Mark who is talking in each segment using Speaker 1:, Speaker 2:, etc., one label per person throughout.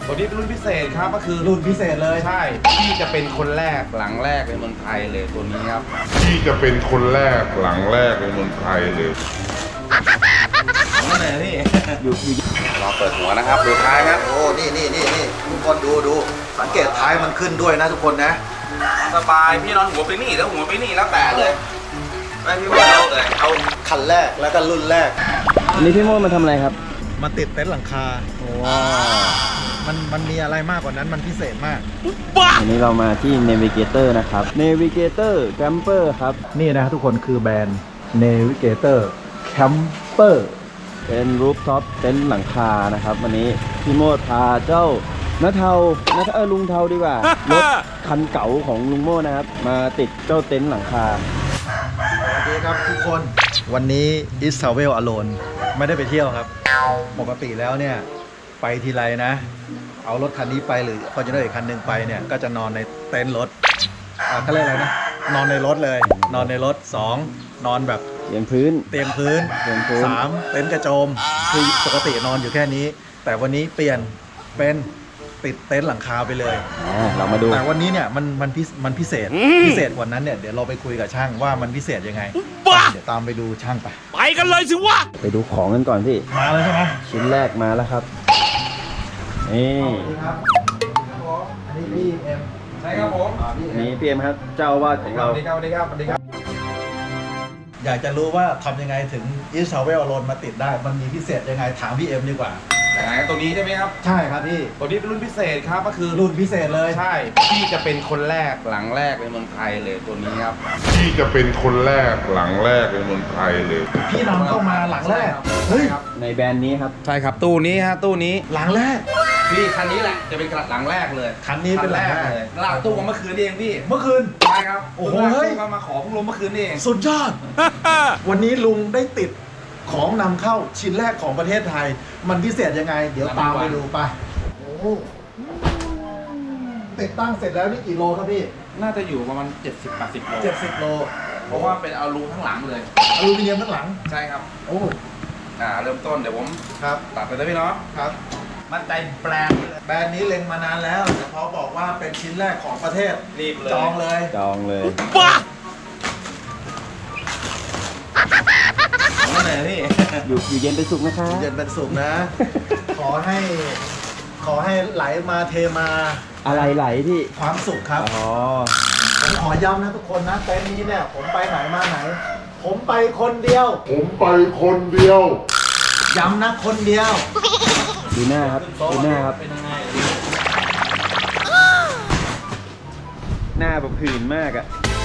Speaker 1: ตัวนี้เป็นรุ่นพิเศษครับก็คือ
Speaker 2: รุ่นพิเศษเลย
Speaker 1: ใช่ที่จะเป็นคนแรกหลังแรกในเมืองไทยเลยตัวนี้ครับ
Speaker 3: ที่จะเป็นคนแรกหลังแรกในเมืองไทยเลย
Speaker 1: นั่นเลยพี่อยู่รอเปิดหัวนะครับดูท้ายครับ
Speaker 2: โอ้นี่ทุกคนดูสังเกตท้ายมันขึ้นด้วยนะทุกคนนะ
Speaker 1: สบายพี่นอนหัวไปนี่แล้วหัวไปนี่แล้วแต่เลยไม่พี่ว่าเราเลยเอา
Speaker 2: คันแรกแล้วก็รุ่นแรก
Speaker 4: อันนี้พี่โม่มาทำอะไรครับ
Speaker 2: มาติดเต็นท์หลังคา
Speaker 4: ว้าว
Speaker 2: มันมีอะไรมากกว่านั้นมันพิเศษมาก
Speaker 4: วันนี้เรามาที่ Navigator นะครับ Navigator Camper ครับ
Speaker 2: นี่นะทุกคนคือแบรนด์ Navigator Camper
Speaker 4: เป็นรูฟท็อปเต็นท์หลังคานะครับ วันนี้พี่โมดพาเจ้าน้าเทาลุงเทาดีกว่า รถคันเก่าของลุงโม่นะครับ มาติดเจ้าเต็นท์หลังคา
Speaker 2: สวัสดีครับทุกคนวันนี้ Is Travel Alone ไม่ได้ไปเที่ยวครับ ปกติแล้วเนี่ยไปทีไรนะ เอารถคันนี้ไปหรือ Fortuner อีกคันหนึ่งไปเนี่ยก็จะนอนในเต็นท์รถเขาเรียกอะไรนะนอนในรถเลย นอนในรถ 2 นอนแบบ
Speaker 4: เตียงพื้น
Speaker 2: เตียงพื้น 3 เต็นท์กระโจมคือปกตินอนอยู่แค่นี้ แต่วันนี้เปลี่ยนเป็นติดเต็นท์หลังคาไปเลย
Speaker 4: เรามาดู
Speaker 2: แต่วันนี้เนี่ยมันพิเศษกว่านั้นเนี่ยเดี๋ยวเราไปคุยกับช่างว่ามันพิเศษยังไงเดี๋ยวตามไปดูช่างไป
Speaker 4: ไปดูของกันก่อนพี่
Speaker 2: มาเลยใช่ไหม
Speaker 4: ชิ้นแรกมาแล้วครับ นี่
Speaker 2: สวัสดีครับอันนี้พี่เอ็ม
Speaker 1: ใช่ครับผม
Speaker 4: นี่พี่เอ็มครับ เจ้าอาวาสของ
Speaker 1: ส
Speaker 4: เรา
Speaker 1: วัสดีครับสวัสดีครับสวัสดีครับ
Speaker 2: อยากจะรู้ว่าทำยังไงถึง Is Travel Alone มาติดได้มันมีพิเศษยังไงถามพี่เอ็มดีกว่า
Speaker 1: ไหนตัวนี้ใช่ไหมครับ
Speaker 2: ใช่ครับพี่
Speaker 1: ตัวนี้เป็นรุ่นพิเศษครับก็คือ
Speaker 2: รุ่นพิเศษเลย
Speaker 1: ใช่ที่จะเป็นคนแรกหลังแรกในเมืองไทยเลยตัวนี้ครับ
Speaker 3: ที่จะเป็นคนแรกหลังแรกในเมืองไทยเลย
Speaker 2: พี่นำเข้ามาหลังแรกเฮ้ย
Speaker 4: ในแบรนด์นี้ครับ
Speaker 1: ใช่ครับตู้นี้ฮะตู้นี้
Speaker 2: หลังแรก
Speaker 1: พี่คันนี้แหละจะเป็นหลังแรกเลย
Speaker 2: คันนี้เป็นหลังแรก
Speaker 1: เลยหลังตู้เมื่อคืนนี่เองพี่
Speaker 2: เมื่อคืน
Speaker 1: ใช่ครับ
Speaker 2: โอ้โห
Speaker 1: เฮ้ยมาขอพวกลมเมื่อคืนนี่เอง
Speaker 2: สุดยอด วันนี้ลุงได้ติดของนำเข้าชิ้นแรกของประเทศไทย มันพิเศษยังไง เดี๋ยวตามไปดูไปโอ้โหติดตั้งเสร็จแล้วนี่กี่โลครับพี่
Speaker 1: น่าจะอยู่ประมาณ70-80 โล
Speaker 2: 70 โล
Speaker 1: เพราะว่าเป็นเอารูข้างหลังเลย
Speaker 2: อลูมิเนียมข้างหลัง
Speaker 1: ใช่ครับ
Speaker 2: โอ้
Speaker 1: เริ่มต้นเดี๋ยวผม
Speaker 2: ครับ
Speaker 1: ตัดไปเลยพี่เนาะ
Speaker 2: ครับ
Speaker 1: มั่นใจแบรนด์เลย
Speaker 2: แบรนด์นี้เล็งมานานแล้วแต่พอบอกว่าเป็นชิ้นแรกของประเทศ
Speaker 1: รีบเลย
Speaker 2: จองเลย
Speaker 4: จองเลย
Speaker 1: นั่นเลยพี่
Speaker 4: อยู่เย็นเป็นสุขนะครับ
Speaker 2: เย็นเป็นสุขนะ ขอให้ไหลมาเทมา
Speaker 4: อะไรไหลพี่
Speaker 2: ความสุขครับ
Speaker 4: อ๋อ
Speaker 2: ผมขอย้ำนะทุกคนนะเต็นท์นี้เนี่ยผมไปไหนมาไหน ผมไปคนเดียว
Speaker 3: ผมไปคนเดียว
Speaker 2: ย้ำนะคนเดียว
Speaker 4: ดูหน้าครับ ดูหน้าครับ
Speaker 1: เป็นยังไง
Speaker 4: หน้าแบบผื่นมากอะ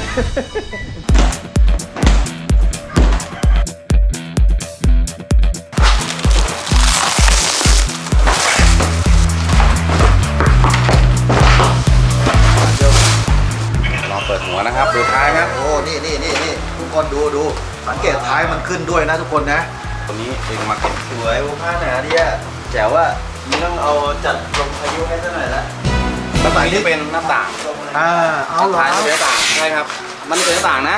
Speaker 1: รอเปิดหัวนะครับดูท้ายครับ
Speaker 2: โอ้นี่ทุกคนดูสังเกตท้ายมันขึ้นด้วยนะทุกคนนะ
Speaker 1: ตัวนี้ดึงมาเก็บ
Speaker 4: สวยโอ้ผ้าหนาดีอะแจ๋วว่านี่ต้องเอาจัดลมพายุให้ซะหน่อยละ
Speaker 1: แล้วตัวนี้จะเป็นหน้าต่าง
Speaker 2: เอาเหรอ
Speaker 1: ท้ายจะเป็นหน้าต่างใช่ครับ มันเป็นหน้าต่างนะ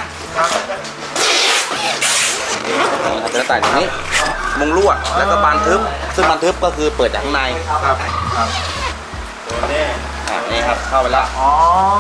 Speaker 1: เป็นหน้าต่างอย่างนี้มุงลวดแล้วก็บานทึบซึ่งบานทึบก็คือเปิดจากข้างใน
Speaker 2: ครับ
Speaker 1: นี่ครับเข้าไปแล้ว
Speaker 2: อ๋อ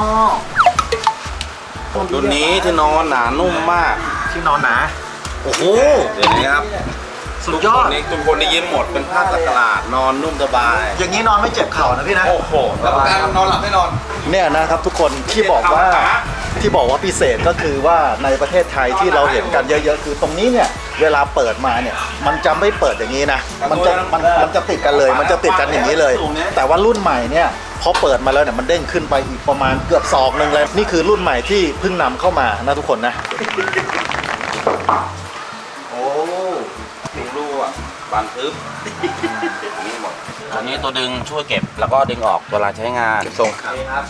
Speaker 1: รุ่นนี้ที่นอนหนานุ่มมาก
Speaker 2: ที่นอนหนาโอ้โห
Speaker 1: เดี๋ยวนี้ครับ
Speaker 2: สุดยอด
Speaker 1: ทุกคนได้ยิ้มหมดเป็นผ้าสักหลาดนอนนุ่มสบาย
Speaker 2: อย่างนี้นอนไม่เจ็บเข่านะพี่นะ
Speaker 1: โอ้โหแล้วการนอนหลับไม่นอน
Speaker 2: เนี่ยนะครับทุกคนที่บอกว่าพิเศษก็คือว่าในประเทศไทยที่เราเห็นกันเยอะๆคือตรงนี้เนี่ยเวลาเปิดมาเนี่ยมันจะไม่เปิดอย่างนี้นะมันจะติดกันเลย มันจะติดกันอย่างนี้เลย แต่ว่ารุ่นใหม่เนี่ยพอเปิดมาแล้วเนี่ยมันเด้งขึ้นไปอีกประมาณเกือบศอกนึงเลยนี่คือรุ่นใหม่ที่เพิ่งนำเข้ามานะทุกคนนะ
Speaker 1: โอ้มุงลวดบานทึบนี่หมดตัวนี้ตัวดึงช่วยเก็บแล้วก็ดึงออกเวลาใช้งานส่งครับ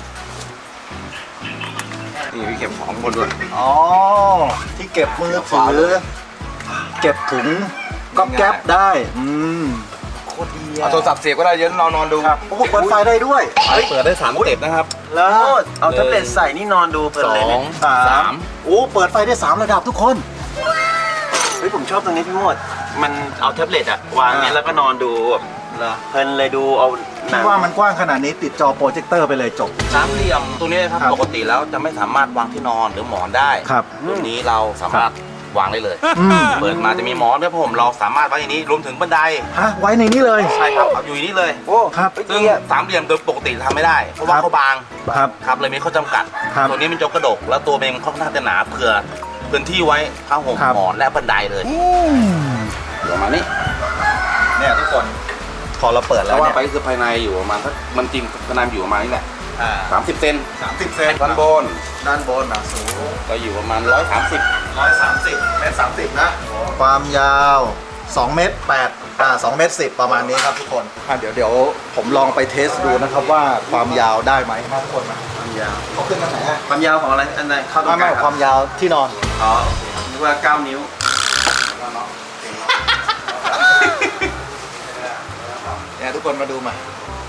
Speaker 1: นี่พี่เก็บของบนด้วย
Speaker 2: อ๋อที่เก็บมือถือเก็บถุงก๊อบแก๊บได้โคตรดี
Speaker 1: เอาโทรศัพท์เสียบก็ได้เดี๋ยอะนอนดู
Speaker 2: ครับโอ้โหเปิดไฟได้ด้วย
Speaker 1: เปิดได้3 สเต็ปนะครับ
Speaker 2: แล้ว
Speaker 4: เอาแท็บเล็ตใส่นี่นอนดูเพลินเลยเนี่ย
Speaker 1: สาม
Speaker 2: โอ้เปิดไฟได้3ระดับทุกคน
Speaker 4: เฮ้ยผมชอบตรงนี้พี่โมดมันเอาแท็บเล็ตอะวางเนี้ยแล้วก็นอนดูแบบ
Speaker 2: เหรอ
Speaker 4: เพลินเลยดูเอาหนั
Speaker 2: ที่
Speaker 4: ง
Speaker 2: ว่ามันกว้างขนาดนี้ติดจอโปรเจคเตอร์ไปเลยจบ
Speaker 1: สามเหลี่ยมตัวนี้นะครับ
Speaker 2: ครับ
Speaker 1: ปกติแล้วจะไม่สามารถวางที่นอนหรือหมอนได้
Speaker 2: ครับ
Speaker 1: ตัวนี้เราสามารถวางได้เลย
Speaker 2: อืม
Speaker 1: เปิดมาจะมีหมอนด้วยผมเราสามารถไว้ในนี้รวมถึงบันได
Speaker 2: ฮะไว้ในนี้เลย
Speaker 1: ใช่ครับเอาอยู่ในนี้เลย
Speaker 4: โอ้
Speaker 2: ครับ
Speaker 1: ซึ่งสามเหลี่ยมโดยปกติทำไม่ได้เพราะว่าเขาบาง
Speaker 2: ครับ
Speaker 1: ครับเลยมีข้อจำกัด
Speaker 2: ครับ
Speaker 1: ตัวนี้เป็นจกกระดก แล้วตัวเองค่อนข้างจะหนาเผื่อพื้นที่ไว้ผ้าห่ม
Speaker 2: ครับ
Speaker 1: หมอนและบันไดเลยประมาณนี้
Speaker 2: เนี่ยทุกคนพอเราเปิด
Speaker 1: แล้
Speaker 2: แล้ว ว
Speaker 1: ว่า
Speaker 2: เนี่ย
Speaker 1: ไปคือภายในอยู่ประมาณสักมันจริงภายในอยู่ประมาณนี้แหละ
Speaker 2: อ่า
Speaker 1: 30 เซน
Speaker 2: 30 เซน
Speaker 1: ด้านบน
Speaker 2: ด้านบนสูง
Speaker 1: ก็อยู่ประมาณ130
Speaker 2: 130 เมตร 30 นะ ความยาว 2 เมตร 8 2 เมตร 10 ประมาณนี้ครับทุกคนเดี๋ยวผมลองไปเทสดูนะครับว่าความยาวได้ไหมทุกคนมา
Speaker 4: ความยาว
Speaker 2: เขาขึ้นมาไหนอะ
Speaker 4: ความยาวของอะไรอันไหนเข้าตรงก
Speaker 2: ไม่
Speaker 4: ลาง
Speaker 2: ความยาวที่นอน
Speaker 4: อ๋อนึกว่า 9 นิ้ว
Speaker 2: เนี่ยทุกคนมาดูมา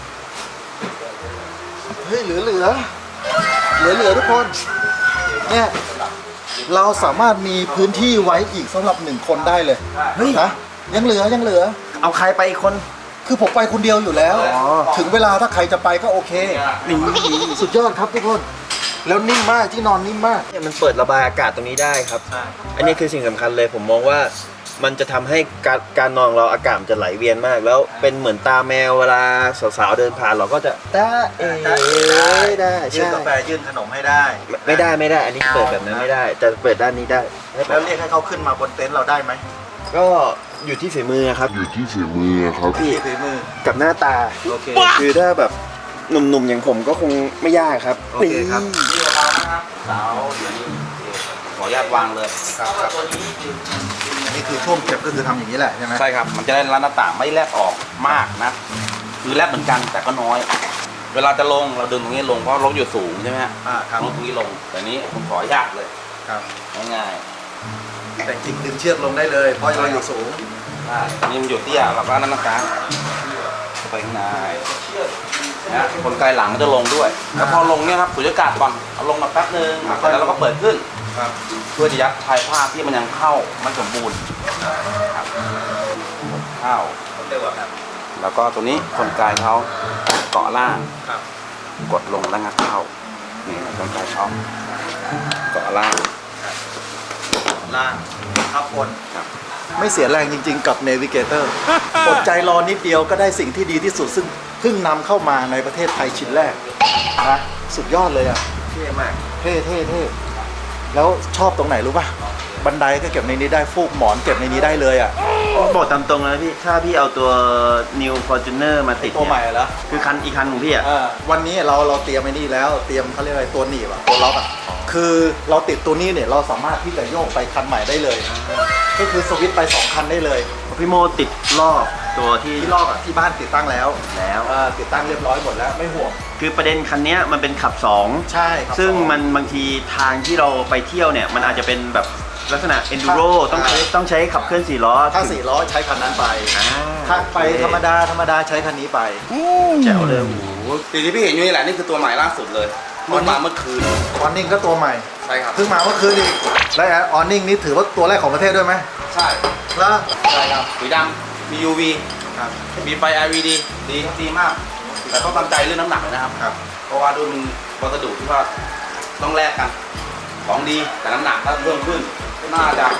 Speaker 2: เฮ้ยเหลือทุกคนเนี่ยเราสามารถมีพื้นที่ไว้อีกสำหรับ1 คนได้เลย
Speaker 4: เฮ้ย
Speaker 2: นะยังเหลือ
Speaker 4: เอาใครไปอีกคน
Speaker 2: คือผมไปคนเดียวอยู่แล้ว
Speaker 4: อ๋อ
Speaker 2: ถึงเวลาถ้าใครจะไปก็โอเค
Speaker 4: นี่
Speaker 2: สุดยอดครับทุกคน แล้วนิ่มมากที่นอนนิ่มมาก
Speaker 4: เนี่ยมันเปิดระบายอากาศตรงนี้ได้ครับ อันนี้คือสิ่งสำคัญเลยผมมองว่ามันจะทำให้การนอนเราอากาศมันจะไหลเวียนมาก แล้วเป็นเหมือนตาแมวเวลาสาวๆเดินผ่านเราก็จะได้ได้
Speaker 2: ยื่น
Speaker 4: ใช่
Speaker 2: กาแฟยื่นขนมให้ได้
Speaker 4: ไม่ได้อันนี้เปิดแบบนั้นไม่ได้แต่เปิดด้านนี้ได้
Speaker 2: แล้วเรียกให้เขาขึ้นมาบนเต็นท์เราได้ไหม
Speaker 4: ก็อยู่ที่ฝีมือครับ
Speaker 3: อยู่ที่ฝีมือครับ
Speaker 2: พี่ฝีมือ
Speaker 4: กับหน้าตา
Speaker 2: โอเค
Speaker 4: คือถ้าแบบหนุ่มๆอย่างผมก็คงไม่ยากครับ
Speaker 2: โอเคครับ
Speaker 1: นี่เรานะครับเสาเดี๋ยวนี้ขออนุญาตวางเลย
Speaker 2: ครับอันนี้คือช่วงเก็บก็คือทำอย่างนี้แหละใช่ไหม
Speaker 1: ใช่ครับ มันจะได้ร้านหน้าต่างไม่แลบออกมากนะ คือแลบเหมือนกันแต่ก็น้อย เวลาจะลงเราดึงตรงนี้ลงเพราะรถอยู่สูงใช่ไหมฮะ
Speaker 2: ครับ
Speaker 1: ลงตรงนี้ลง แต่นี้ผมขออนุญาตเลย
Speaker 2: ครับ
Speaker 1: ง่าย
Speaker 2: แต่จริงดึงเชือกลงได้เลยเพราะเราอยู่สูง
Speaker 1: ๆได้อันนี้มันอยู่เตี้ยเราก็นั่นนะครับเข้าไปข้างในนะคนไกลหลังมันจะลงด้วย แล้วพอลงเนี่ยครับสูญญากาศก่อนเอาลงมาแป๊บนึงแล้วเราก็เปิดขึ้น
Speaker 2: ครับ
Speaker 1: เพื่อจะยัดชายผ้าที่มันยังเข้าไม่สมบูรณ์ครับเข้าแล้วก็ตัวนี้คนไกลเขาเกาะล่าง
Speaker 2: ครับ
Speaker 1: กดลงแล้วงัดเข้านี่คนไกลช่องเกาะล่าง
Speaker 2: ล่างทับบน
Speaker 1: ครับ
Speaker 2: ไม่เสียแรงจริงๆกับเนวิเกเตอร์ อดใจรอนิดเดียวก็ได้สิ่งที่ดีที่สุดซึ่งเพิ่งนำเข้ามาในประเทศไทยชิ้นแรกนะสุดยอดเลยอ่ะ
Speaker 4: เท่มาก
Speaker 2: เท่แล้วชอบตรงไหนรู้ป่ะ บันไดก็เก็บในนี้ได้ฟูกหมอนเก็บในนี้ได้เลยอ่ะ
Speaker 4: บอกตามตรงนะพี่ถ้าพี่เอาตัว New Fortuner มาติด
Speaker 2: ตัวใหม่
Speaker 4: เนี่ย
Speaker 2: เหรอ
Speaker 4: คือคันอีกคันของพี่อ่ะ
Speaker 2: วันนี้เราเตรียมไอ้นี่แล้วเตรียมเขาเรียกอะไรตัวหนีบอะตัวล็อกอะคือเราติดตัวนี้เนี่ยเราสามารถที่จะโยกไปคันใหม่ได้เลย ก็คือสวิตช์ไป2 คันได้เลย
Speaker 4: พี่โมติดรอบตัวที่
Speaker 2: ที่ลอกอะที่บ้านติดตั้งแล้ว
Speaker 4: แล้ว
Speaker 2: ติดตั้งเรียบร้อยหมดแล้วไม่ห่วง
Speaker 4: คือประเด็นคันเนี้ยมันเป็นขับ 2
Speaker 2: ใช่ครับ
Speaker 4: ซึ่งมันบางทีทางที่เราไปเที่ยวเนี่ย มันอาจจะเป็นแบบลักษณะ enduro ต้องใช้ขับเคลื่อน4 ล้อ
Speaker 2: ถ้า4 ล้อใช้คันนั้นไป
Speaker 4: อ่า
Speaker 2: ถ้าไปธรรมดาใช้คันนี้ไป
Speaker 4: แจ๋วเลยโอ้โห
Speaker 1: สิ่งที่พี่เห็นอยู่นี่แหละนี่คือตัวใหม่ล่าสุดเลยเพิ่งมาเมื่อคืน
Speaker 2: ออนนิ่งก็ตัวใหม่
Speaker 1: ใช่ครับ
Speaker 2: เพิ่งมาเมื่อคืนอีกและออนนิ่งนี่ถือว่าตัวแรกของประเทศด้วยไหม
Speaker 1: ใช่
Speaker 2: แล้วใช่ครับ
Speaker 1: สีดำมี UV
Speaker 2: ครับ
Speaker 1: มีไฟ LED ดีมาก แต่ต้องตั้งใจเรื่องน้ำหนักเลยนะครับ
Speaker 2: ครับ
Speaker 1: เพราะว่าด้วยมันวัสดุที่ว่าต้องแลกกัน ของดีแต่น้ำหนักถ้าเพิ่มขึ้น น่าจะ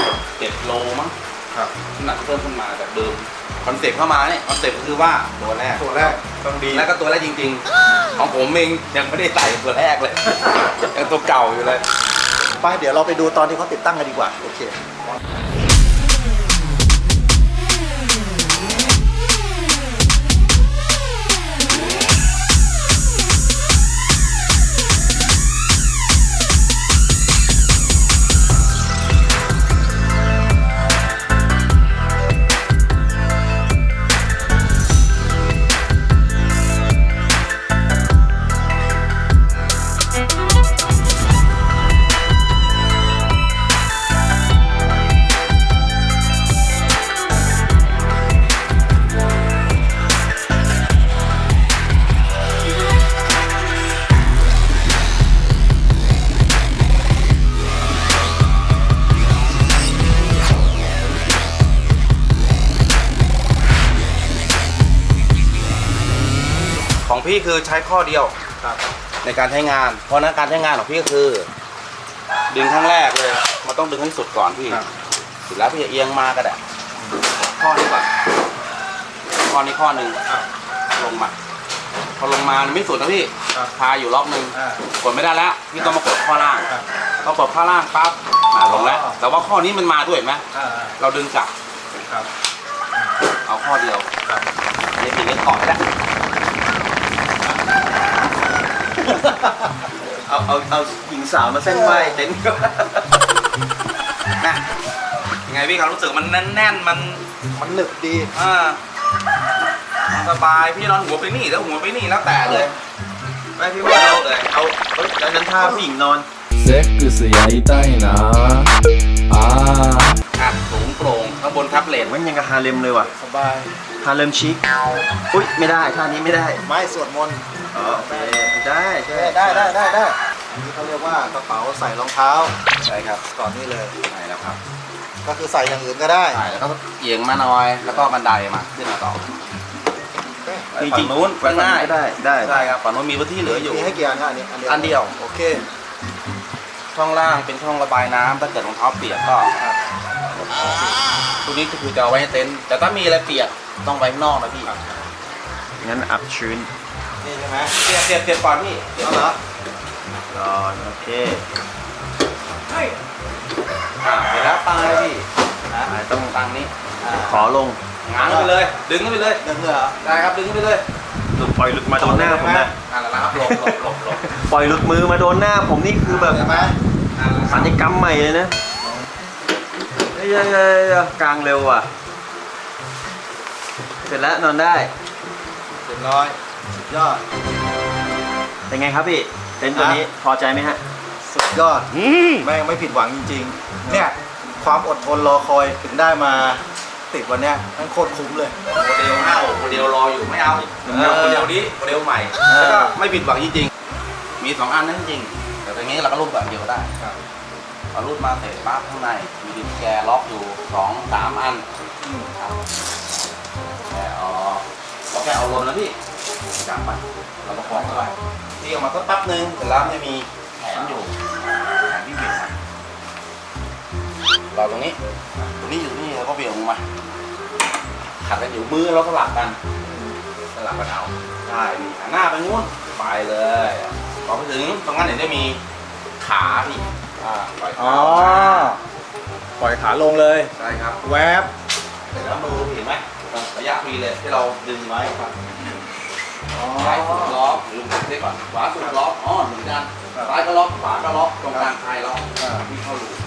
Speaker 1: 7 โลมั้ง
Speaker 2: ครับ
Speaker 1: น้ำหนักเพิ่มขึ้นมาจากเดิมคอนเซ็ปต์เข้ามาเนี่ยคอนเซ็ปต์ก็คือว่าตัวแรก
Speaker 2: ตัวแรกต้องดี
Speaker 1: แล้วก็ตัวแรกจริงๆ ของผมเองยังไม่ได้ใส่ตัวแรกเลย ยังตัวเก่าอยู่เลย
Speaker 2: ไปเดี๋ยวเราไปดูตอนที่เขาติดตั้งกันดีกว่าโอเค
Speaker 1: ของพี่คือใช้ข้อเดียว
Speaker 2: ครับ
Speaker 1: ในการใช้งาน เพราะฉะนั้นการใช้งานของพี่ก็คือ ดึงครั้งแรกเลยมันต้องดึงให้สุดก่อนพี่
Speaker 2: ครับ
Speaker 1: เสร็จแล้วพี่จะเอียงมาก็ได้ข้อนี้ก่อนข้อนี้ข้อหนึ่งลงมาพอลงมาไม่สุดนะพี่
Speaker 2: ครับ
Speaker 1: พาอยู่รอบนึง
Speaker 2: อ่าก
Speaker 1: ดไม่ได้แล้วพี่ต้องมากดข้อล่าง
Speaker 2: ครับ
Speaker 1: พอกดข้อล่างปั๊บลงแล้ว
Speaker 2: อ๋อ
Speaker 1: แต่ว่าข้อนี้มันมาด้วยเห็นไหม
Speaker 2: อ่า
Speaker 1: เราดึงกลับ
Speaker 2: ครับ
Speaker 1: เอาข้อเดียว
Speaker 2: ครับ
Speaker 1: อันนี้พี่เล่นเกาะแล้ว
Speaker 4: เอาหญิงสาวมาเส้นไหวเต็นท์ก็
Speaker 1: นะยังไงพี่ครับรู้สึกมันแน่นๆมัน
Speaker 2: มันหนึบดี
Speaker 1: สบายพี่นอนหัวไปนี่แล้วหัวไปนี่แล้วแต่เลย
Speaker 4: ไม่พี่ว่าเอาแล้วนั้นท่าผู้หญิงนอน
Speaker 5: セックスやりたいなあ
Speaker 1: อัดสูงโปร่งข้างบนทับเลน
Speaker 4: มันยังกับฮาเลมเลยว่ะ
Speaker 2: สบาย
Speaker 4: ฮาเลมชิคอุ้ยไม่ได้ท่านี้ไม่ได้
Speaker 2: ไม้สวดมนต์
Speaker 4: อ๋อโอเคได้ใช่
Speaker 2: ได้อันนี้เขาเรียกว่ากระเป๋าใส่รองเท้า
Speaker 1: ใช่ครับ
Speaker 2: ก่อนนี่เลย
Speaker 1: ใช่แล้วครับ
Speaker 2: ก็คือใส่อย่างอื่นก็ได้
Speaker 1: ใช่แล้วก็เอียงมาหน่อยแล้วก็บันไดมาขึ้นมาต่อ
Speaker 4: จ
Speaker 1: ฝั่
Speaker 4: ริ
Speaker 1: ง
Speaker 4: ง
Speaker 1: นู้นก็ง่าย
Speaker 4: ได้ได้
Speaker 1: ใช่ครับฝั่งนู้นมีพื้นที่เหลืออยู่
Speaker 2: มีให้กี่อันฮะอันเดียว
Speaker 1: อันเดียว
Speaker 2: โอเค
Speaker 1: ช่องล่างเป็นช่องระบายน้ำถ้าเกิดรองเท้าเปียกก็ตัวนี้ก็คือจะเอาไว้ให้เต็นท์แต่ถ้ามีอะไรเปียกต้องไว้ข้างนอกนะพี่
Speaker 4: งั้นอับชื้น
Speaker 2: นี่ใช่ไหม
Speaker 1: เสียบก่อนพี่เสียบ
Speaker 2: เอาเหรอ
Speaker 4: ก่อนโอเค
Speaker 1: เสร็จแล้วตั้งเลยพี่
Speaker 4: ต้อง
Speaker 1: ตั้งนี้
Speaker 4: ขอลง
Speaker 1: ง้างขึ้นไปเลย ดึงขึ้นไปเลย
Speaker 2: เดินเหรอ
Speaker 1: ได้ครับดึงขึ้นไปเลย
Speaker 4: หลุดปล่อยหลุดมาโดนหน้าผมนะ
Speaker 1: นั่นแหละครับหลบ
Speaker 4: ปล่อยหลุดมือมาโดนหน้าผมนี่คือแบบ
Speaker 2: เห็นไหม
Speaker 4: สัญญกรรมใหม่เลยนะเฮ้ยกลางเร็วอ่ะ เสร็จแล้วนอนได้
Speaker 2: เรียบร้อยสุดยอด
Speaker 4: เป็นไงครับพี่ เต็นท์ตัวนี้พอใจไหมฮะ
Speaker 2: สุดยอดแม่งไม่ผิดหวังจริงๆ เนี่ยความอดทนรอคอยถึงได้มาติดวันเนี้ยนั่นโคตรคุ้มเลย
Speaker 1: โมเดลโมเดลรออยู่ไม่เอาโมเดลนี้โมเดลใหม่ แล้วก็ไม่ผิดหวังจริงๆ มี2 อันนั่นจริงๆแต่ตรงนี้เราก็รูดแบบเดียวก็ได้พอรูดมาเสร็จปั๊บข้างในมีดินแกล็อกอยู่2-3 อันครับแกเอาเราแกเอาลมนะพี่จับไปเราประคองเข้าไปที่ออกมาสักแป๊บนึงเสร็จแล้วไม่มีแขนอยู่แขนที่บิดมาเราตรงนี้อยู่นี่แล้วก็เบี่ยงลงมาขัดกันอยู่มือเราสลับกันเอาใช่มีหันหน้าไปงู้นไปเลยพอไปถึงตรงนั้นเดี๋ยวจะมีขาพี่ปล่อย
Speaker 2: อ๋
Speaker 1: ขา
Speaker 2: อ ปล่อยขาลงเลย
Speaker 1: ใช่ครับ
Speaker 2: แวบ
Speaker 1: เสร็จแล้วมือเห็นไหมระยะฟรีเลยที่เราดึงไว้ครับ
Speaker 2: อ๋อ
Speaker 1: ซ้ายสุดล็อกหรือเรียกก่อนขวาสุดล็อกเหมือนกันซ้ายก็ล็อกขวาก็ล็อกตรงกลางคลายล็อกพี่เข้ารู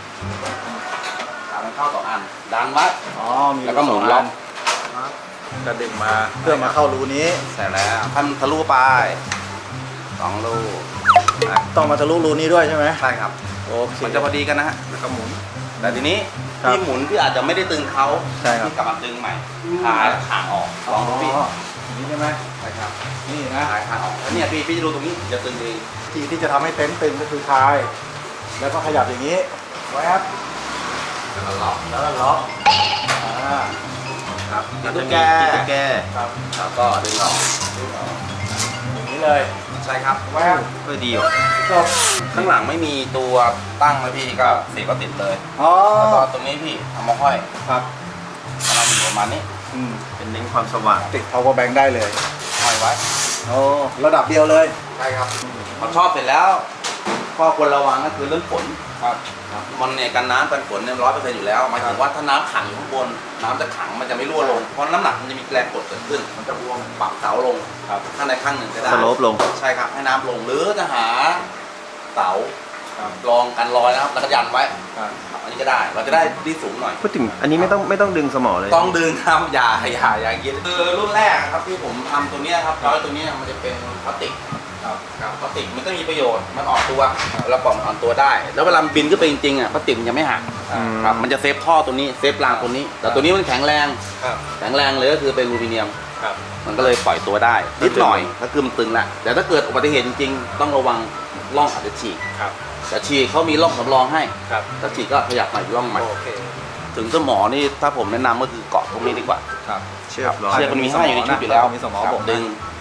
Speaker 1: ขามันเข้า2 อันดันไว้
Speaker 2: อ๋อ มี
Speaker 1: แล้วก็หมุนล็อก
Speaker 2: จะดึงมาเพื่อมาเข้ารูนี้
Speaker 1: เสร็จแล้วทำทะลุไป2 ลูก
Speaker 2: ต้องมาทะลุรูนี้ด้วยใช่ไหม
Speaker 1: ใช่ครับ
Speaker 2: โอเค
Speaker 1: มันจะพอดีกันนะฮะแล้วก็หมุน แต่ทีนี้
Speaker 2: ครับ
Speaker 1: ที่หมุนที่อาจจะไม่ได้ตึงเขา
Speaker 2: ใช่ครับ
Speaker 1: ที่กลับมาดึงใหม่ขายขางออกลองดูพี่
Speaker 2: นี่ใช่ไหม
Speaker 1: ใช่ครับ
Speaker 2: นี่นะ
Speaker 1: ขายขางออกแล้วเนี่ยพี่จะดูตรงนี้จะตึงเอง
Speaker 2: ทีที่จะทำให้เต็นท์ตึงก็คือคลาย แล้วก็ขยับอย่างนี้ แวบ
Speaker 1: แล้วก็ล็อก
Speaker 2: แล้วก็ล็อกอ่า
Speaker 1: ครับ
Speaker 4: แล้ว
Speaker 1: ตุ๊
Speaker 4: จะ
Speaker 1: ก
Speaker 4: มี
Speaker 1: แก
Speaker 4: ตุ๊กแก
Speaker 2: ครับ
Speaker 1: แล้วก็ดึงออก
Speaker 2: อย่างนี้เลย
Speaker 1: ใช่ครับ
Speaker 2: แวบ
Speaker 4: ก็ดีอ่ะ
Speaker 2: จบ
Speaker 1: ข้างหลังไม่มีตัวตั้งเลยพี่ก็เสียบก็ติดเลย
Speaker 2: อ๋อ
Speaker 1: แล้วก็ตรงนี้พี่เอามาห้อย
Speaker 2: ครับ
Speaker 1: เอามาอยู่ประมาณนี้
Speaker 2: อืม
Speaker 4: เป็นเน้นความสว่าง
Speaker 2: ติด power bank ได้เลย
Speaker 1: ห้อยไว้
Speaker 2: โอ้ระดับเดียวเลย
Speaker 1: ใช่ครับพอชอบเสร็จแล้วข้อควรระวังก็คือเรื่องฝน
Speaker 2: ครับ
Speaker 1: มันเนี่ยกันน้ำกันฝนเนี่ย100%อยู่แล้วหมายถึงว่าถ้าน้ำขังอยู่ข้างบนน้ำจะขังมันจะไม่รั่วลงเพราะน้ำหนักมันจะมีแรงกดเกิดขึ้นมันจะรวมปรับเสาลง
Speaker 2: ครับ
Speaker 1: ข้างในข้างหนึ่งก็ได้
Speaker 4: สโลปลง
Speaker 1: ใช่ครับให้น้ำลงหรือจะหาเสา
Speaker 2: ครับ
Speaker 1: รองกันรอยนะครับแล้วก็ยันไว้
Speaker 2: ครับ
Speaker 1: อันนี้ก็ได้เราจะได้ที่สูงหน่อย
Speaker 4: พูดถึงอันนี้ไม่ต้องดึงสมอเลย
Speaker 1: ต้องดึงครับอย่าคิดคือรุ่นแรกครับที่ผมทำตัวเนี้ยครับร้อยตัวเนี้ยมันจะเป็นพลาสติก
Speaker 2: ครับ
Speaker 1: ครับพลาสติกมันก็มีประโยชน์มันอ่อนตัวเราปล่อยมันอ่อนตัวได้ แล้วเวลามันบินขึ้นไปจริงๆอ่ะพลาสติกมันยังไม่หัก
Speaker 4: อืม
Speaker 1: ครับมันจะเซฟท่อตัวนี้เซฟรางตัวนี้ แต่ตัวนี้มันแข็งแรง
Speaker 2: ครับ
Speaker 1: แข็งแรงเลยก็คือเป็นอลูมิเนียม
Speaker 2: ครับ
Speaker 1: มันก็เลยปล่อยตัวได้นิดหน่อยก็คือมันตึงแหละแต่ถ้าเกิดอุบัติเหตุจริงๆต้องระวังร่องอาจจะฉีก
Speaker 2: ครับ
Speaker 1: แต่ฉีกเขามีร่องสำรองให้
Speaker 2: ครับ
Speaker 1: ถ้าฉีกก็ขยับมาอีกร่องใหม่
Speaker 2: โอเค
Speaker 1: ถึงสมอนี่ถ้าผมแนะนำก็คือเกาะตรงนี้ดีกว่า
Speaker 2: ครับ
Speaker 4: เชือกร้อย
Speaker 1: เชือกมันมีให้อยู่ในชุดอยู่แล้ว
Speaker 2: มีสมอ
Speaker 1: ครับ
Speaker 2: บ่งนะ
Speaker 1: ดึง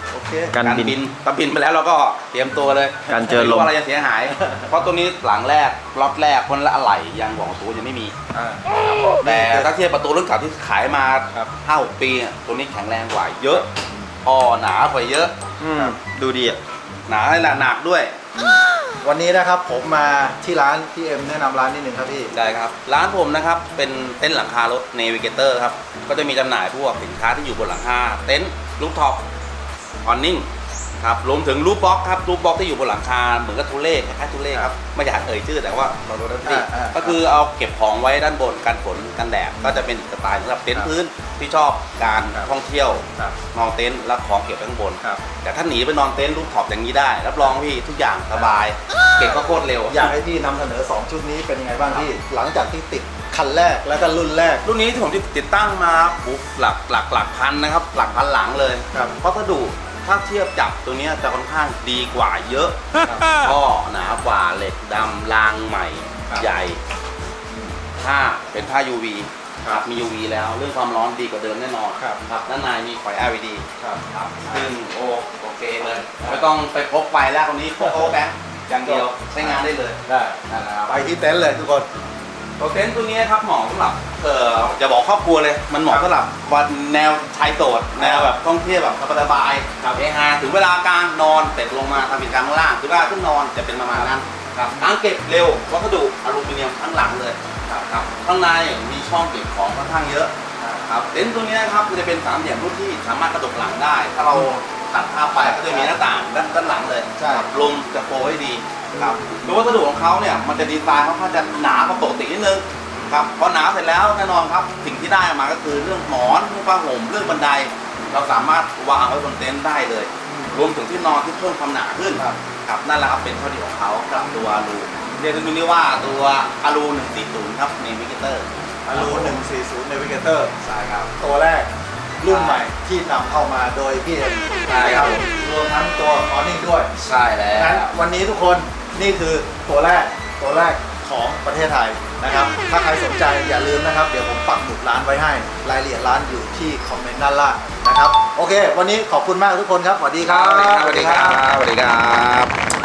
Speaker 2: โอเค
Speaker 4: กันบิน
Speaker 1: ถ้าบินไปแล้วเราก็เตรียมตัวเลย
Speaker 4: การเจอลม
Speaker 1: ไม่รู้ว่าอะไรจะเสียหาย เพราะตัวนี้หลังแรกล็อตแรกคนละอะไหล่ยางบอกตัวยังไม่มี แต่ถ้าเทียบประตูรุ่นเก่าที่ขายมา 5-6 ปีอะตัวนี้แข็งแรงกว่าเยอะหนากว่าเยอะ
Speaker 4: ดูดีอ่ะ
Speaker 1: หนาและหนักด้วย
Speaker 2: วันนี้นะครับผมมาที่ร้านพี่เอ็มแนะนำร้านนิดนึงครับพี่
Speaker 1: ได้ครับร้านผมนะครับเป็นเต็นท์หลังคารถ Navigator ครับก็จะมีจำหน่ายพวกสินค้าที่อยู่บนหลังคาเต็นท์รูฟท็อปออนนิ่งครับรวมถึงรูฟบ็อกครับรูฟบ็อกที่อยู่บนหลังคาเหมือนกับทูเล่คล้ายๆทูเล่ครับไม่อยากเอ่ยชื่อแต่ว่าเรารู้ได้ที่ก็คือเอาเก็บของไว้ด้านบนกันฝนกันแดดก็จะเป็นสไตล์สำหรับเต็นท์พื้นที่ชอบการท่องเที่ยวนอนเต็นท์แล้วของเก็บไว้ข้างบนแต่ถ้าหนีไปนอนเต็นท์รูฟท็อปอย่างนี้ได้รับรองพี่ทุกอย่างสบายเก็บก็โคตรเร็ว
Speaker 2: อยากให้พี่นำเสนอ 2 ชุดนี้เป็นยังไงบ้างพี่ หลังจากที่ติดคันแรกแล้วก็รุ่นแรก
Speaker 1: รุ่นนี้ที่ผมติดตั้งมาปุ๊บหลักพันนะครับหลักพันหลังเลย
Speaker 2: ครับ
Speaker 1: วัสดุถ้าเทียบจับตัวเนี้ยจะค่อนข้างดีกว่าเยอะท่อหนากว่าเหล็กดำรางใหม่
Speaker 2: ครับ
Speaker 1: ใหญ่ผ้าเป็นผ้า UV ครับมี UV แล้วเรื่องความร้อนดีกว่าเดิมแน่นอน
Speaker 2: ครับ
Speaker 1: ครับด้านในมีไฟ LED
Speaker 2: ครับ
Speaker 1: ครับซึ่งโอเคเลยไม่ต้องไปพกไฟแล้วตรงนี้พกโอ๊แบงค์อย่างเดียวใช้งานได้เลย
Speaker 2: ได้
Speaker 1: นั่นแหละครับ
Speaker 2: ไปที่เต็นท์เลยทุกคน
Speaker 1: ตัวเต็นท์ตัวนี้ครับเหมาะสำหรับจะบอกครอบครัวเลย มันเหมาะสำหรับวันแนวชายโสดแนวแบบท่องเที่ยวแบบสบายๆเฮฮาถึงเวลากลางนอนเสร็จลงมาทำกิจกรรมข้างล่างถึงเวลาขึ้นนอนจะเป็นประมาณนั้นครับทั้งเก็บเร็ววัสดุอลูมิเนียมทั้งหลังเลยครับข้างในมีช่องเก็บของค่อนข้างเยอะครับเต็นท์ตัวนี้ครับมันจะเป็นสามเหลี่ยมรูปที่สามารถกระดกหลังได้ ถ้าเราตัดภาพไปก็จะมีหน้าต่างด้านหลังเลย
Speaker 2: ใช่
Speaker 1: ลมจะโฟให้ดีครับโดยวัสดุของเขาเนี่ยมันจะดีไซน์ค่อนข้างจะหนากว่าปกตินิดนึงครับพอหนาเสร็จแล้วแน่นอนครับสิ่งที่ได้มาก็คือเรื่องหมอนเรื่องผ้าห่มเรื่องบันได เราสามารถวางไว้บนเต็นท์ได้เลย รวมถึงที่นอนที่เพิ่มความหนาขึ้นครับนั่นแหละครับเป็นข้อดีของเขากับตัวอารูเรียกตัวนี้ว่าตัวอารู140ครับNavigator
Speaker 2: อลู140 Navigator
Speaker 1: ใช่ครับ
Speaker 2: ตัวแรกรุ่นใหม่ที่นำเข้ามาโดยพี่เอ็ม
Speaker 1: ใช่ครับ
Speaker 2: รวมทั้งตัวออนิ่งด้วย
Speaker 1: ใช่แล้ว
Speaker 2: งั้นวันนี้ทุกคนนี่คือตัวแรกของประเทศไทยนะครับ ถ้าใครสนใจอย่าลืมนะครับ เดี๋ยวผมปักหมุดร้านไว้ให้ รายละเอียดร้านอยู่ที่คอมเมนต์ด้านล่างนะครับ โอเค วันนี้ขอบคุณมากทุกคนครับ สวัสดีครับ
Speaker 1: สวัสดีครับสวัสดีครับ